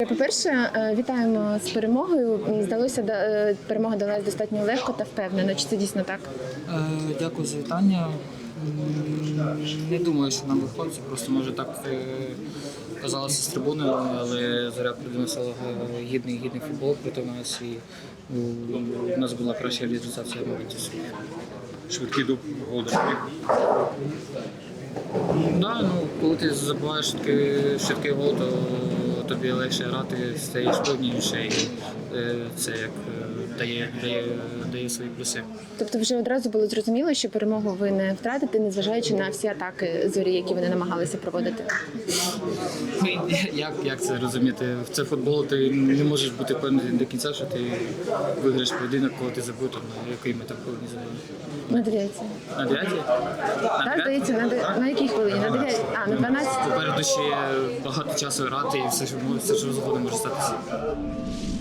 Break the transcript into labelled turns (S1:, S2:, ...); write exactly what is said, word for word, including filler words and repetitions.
S1: Так, по-перше, е, вітаємо з перемогою. Здалося, да- е, перемога далась достатньо легко та впевнено. Чи це дійсно так?
S2: Е, Дякую за вітання. М, Не думаю, що нам виходить, просто може так е, казалося з трибуни, але Зоря приносила гідний гідний футбол проти нас, і ну, у нас була краща реалізація моментів своїх.
S3: Швидкий дуб голодоморів.
S2: Да, ну, коли ти забуваєш швидкий, швидкий гол, то тобі легше грати, стаєш повніше, і е, це як е, дає, дає, дає свої плюси.
S1: Тобто вже одразу було зрозуміло, що перемогу ви не втратите, незважаючи на всі атаки Зорі, які вони намагалися проводити.
S2: Ну, Як, як це розуміти? В це футбол, ти не можеш бути впевнений до кінця, що ти виграєш поєдинок, коли ти забув, там, на який ми там повинні забити.
S1: На дев'ятій.
S2: На дев'ятій?
S1: Так, здається, на, де- на якій хвилині? На дев'ятій? А, на дванадцятій?
S2: Попереду ще багато часу грати і все, що, все, що згодом може статися.